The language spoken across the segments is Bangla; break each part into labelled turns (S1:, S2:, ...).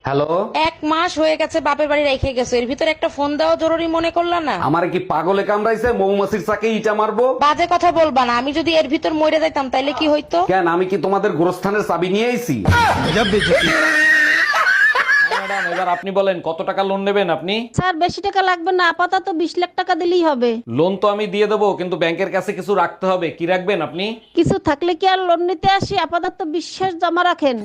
S1: হ্যালো,
S2: 1 মাস হয়ে গেছে বাপের বাড়ি রেখে গেছো, এর ভিতরে একটা ফোন দেওয়া জরুরি মনে করলা না?
S1: আমার কি পাগলে কামড়াইছে? মৌমাছির চাকে ইটা মারবো?
S2: বাজে কথা বলবা না, আমি যদি এর ভিতর মরে যাইতাম তাইলে কি হইতো?
S1: কেন, আমি কি তোমাদের গোরস্থানের চাবি নিয়ে আইছি? ম্যাডাম, এবার আপনি বলেন কত টাকা লোন নেবেন আপনি?
S3: স্যার বেশি টাকা লাগবে না, আপাতত 20 লাখ টাকা দিলেই হবে।
S1: লোন তো আমি দিয়ে দেবো, কিন্তু ব্যাংকের কাছে কিছু রাখতে হবে। কি রাখবেন আপনি?
S3: কিছু থাকলে কি আর লোন নিতে আসি? আপাতত বিশ্বাস জমা রাখেন।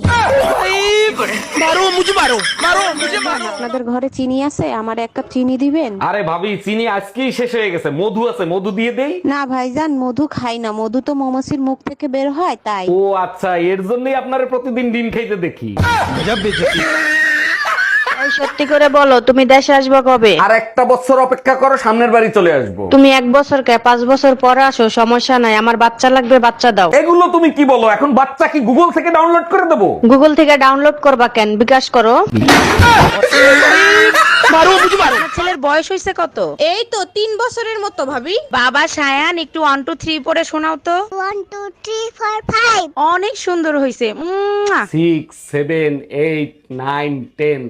S4: আপনাদের ঘরে চিনি আছে? আমার 1 কাপ চিনি দিবেন?
S1: আরে ভাবি, চিনি আজকেই শেষ হয়ে গেছে। মধু আছে, মধু দিয়ে দেই?
S4: না ভাইজান, মধু খাই না। মধু তো মৌমাছির মুখ থেকে বের হয়, তাই।
S1: ও আচ্ছা, এর জন্যই আপনারে প্রতিদিন ডিম খাইতে দেখি।
S5: সত্যি করে বলো, তুমি দেশে আসবে কবে?
S1: আর একটা বছর অপেক্ষা করো, সামনের বাড়ি চলে আসবো।
S5: তুমি 1 বছর কে 5 বছর পরে আসো, সমস্যা নাই। আমার বাচ্চা লাগবে, বাচ্চা দাও।
S1: এগুলো তুমি কি বলো? এখন বাচ্চা কি গুগল থেকে ডাউনলোড করে দেবো?
S5: গুগল থেকে ডাউনলোড করবা কেন? বিকাশ করো।
S2: ছেলের বয়স হয়েছে কত?
S3: এই তো 3 বছরের মতো ভাবি।
S2: বাবা সায়ান, একটু 1 2 3 পড়ে শোনাও তো।
S6: 1 2 3 4 5
S2: অনেক সুন্দর হয়েছে।
S1: 6 7 8 9 10।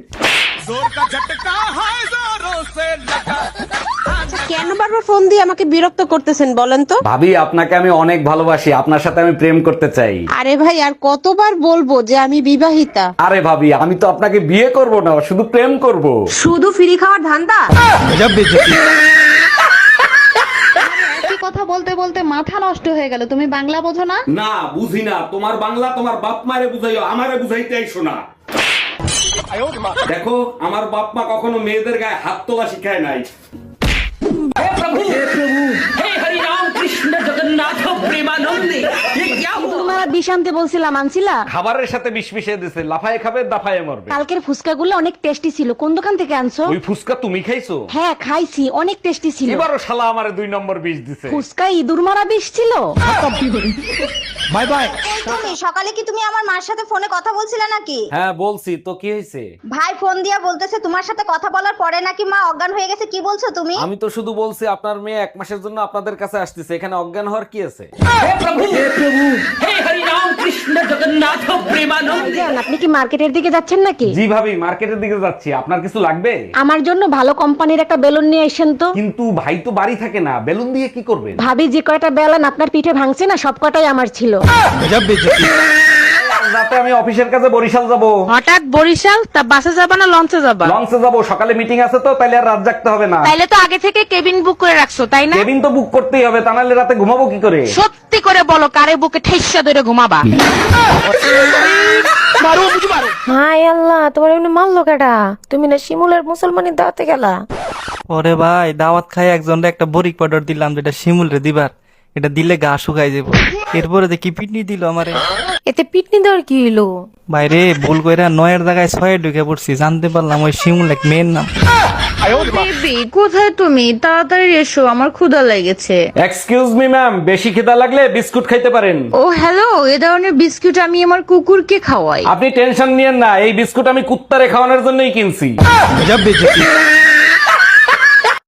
S4: কেন বারবার ফোন দিয়ে আমাকে বিরক্ত করতেছেন বলেন তো?
S1: ভাবি, আপনাকে আমি অনেক ভালোবাসি। আপনার সাথে আমি প্রেম করতে চাই।
S4: আরে ভাই, আর কতবার বলবো যে আমি বিবাহিতা?
S1: আরে ভাবি, আমি তো আপনাকে বিয়ে করব না, শুধু প্রেম করব।
S4: শুধু ফ্রি খাওয়ার ধান্দা?
S7: কথা বলতে বলতে মাথা নষ্ট হয়ে গেল। তুমি বাংলা বোঝো না?
S1: না, বুঝি না। তোমার বাংলা তোমার বাপ মারে বুঝাইও, আমারে বুঝাইতে আইসো না। দেখো, আমার বাপ মা কখনো মেয়েদের গায়ে হাত তোলা শিখায় নাই।
S3: তোমার বিষ আনতে বলছিলাম, আনছিলা?
S1: খাবারের সাথে বিষ মিশিয়ে দিছে, লাফায়ে খাবে দাফায়ে মরবে।
S3: কালকের ফুচকাগুলো অনেক টেস্টি ছিল। কোন দোকান থেকে আনছো?
S1: ওই ফুসকা তুমি খাইছো?
S3: হ্যাঁ খাইছি, অনেক টেস্টি ছিল।
S1: এবারও শালা আমারে 2 নম্বর বিষ দিছে।
S3: ফুচকা ইঁদুর মারা বিষ ছিল।
S1: Bye bye.
S6: তুমি সকালে কি তুমি আমার মার সাথে ফোনে কথা বলছিলে নাকি?
S1: হ্যাঁ বলছি তো, কি হয়েছে?
S6: ভাই ফোন দিয়া বলতেছে তোমার সাথে কথা বলার পরে নাকি মা অজ্ঞান হয়ে গেছে। কি বলছো তুমি?
S1: আমি তো শুধু বলছি আপনার মেয়ে 1 মাসের জন্য আপনাদের কাছে আসতেছে, এখানে অজ্ঞান হওয়ার কি আছে?
S3: ভাইজান, আপনি কি মার্কেটের দিকে যাচ্ছেন নাকি?
S1: জি ভাবি, মার্কেটের দিকে যাচ্ছি। আপনার কিছু লাগবে?
S3: আমার জন্য ভালো কোম্পানির একটা বেলুন নিয়ে আসেন তো।
S1: কিন্তু ভাই তো বাড়ি থাকে না, বেলুন দিয়ে কি করবেন?
S3: ভাবি, যে কয়টা বেলুন আপনার পিঠে ভাঙছে না, সব কটাই আমার ছিল।
S1: রাতে আমি অফিসের কাছে বরিশাল যাব।
S2: হঠাৎ বরিশাল? তা বাসে যাবা না লঞ্চে যাবা?
S1: লঞ্চে যাব, সকালে মিটিং আছে তো, তাইলে আর রাত জাগতে হবে না।
S2: তাইলে তো আগে থেকে কেবিন বুক করে রাখছো, তাই না?
S1: কেবিন তো বুক করতেই হবে, তা নাহলে রাতে ঘুমাবো কি করে?
S2: সত্যি করে বলো, কারে বুকে ঠেসা ধরে ঘুমাবা?
S8: হাই আল্লাহ, তোমার এমনি মারলো কেডা? তুমি না শিমুলের মুসলমানি দাওয়াতে গেলা?
S9: ওরে ভাই, দাওয়াত খাই একজনরে একটা বরিক পাউডার দিলাম, যেটা শিমুল রে দিবার। এটা দিলে গা শুকাই যাবো। এরপরে দেখি পিটনি দিল আমারে।
S8: এতে পিটনি দেওয়ার কি হইলো?
S9: বাইরে ভুল কইরা 9-এর জায়গায় 6-এ ঢুকে পড়ছি, জানতে পারলাম ওই শিমুল এক মেয়ের নাম।
S5: বেবি, কোথায় তুমি? তাড়াতাড়ি এসো, আমার ক্ষুধা লেগেছে।
S1: এক্সকিউজ মি ম্যাম, বেশি খিদা লাগলে বিস্কুট খাইতে পারেন।
S5: ও হ্যালো, এ ধরনের বিস্কুট আমি আমার কুকুরকে খাওয়াই।
S1: আপনি টেনশন নিয়েন না, এই বিস্কুট আমি কুত্তারে খাওয়ানোর জন্যই কিনছি।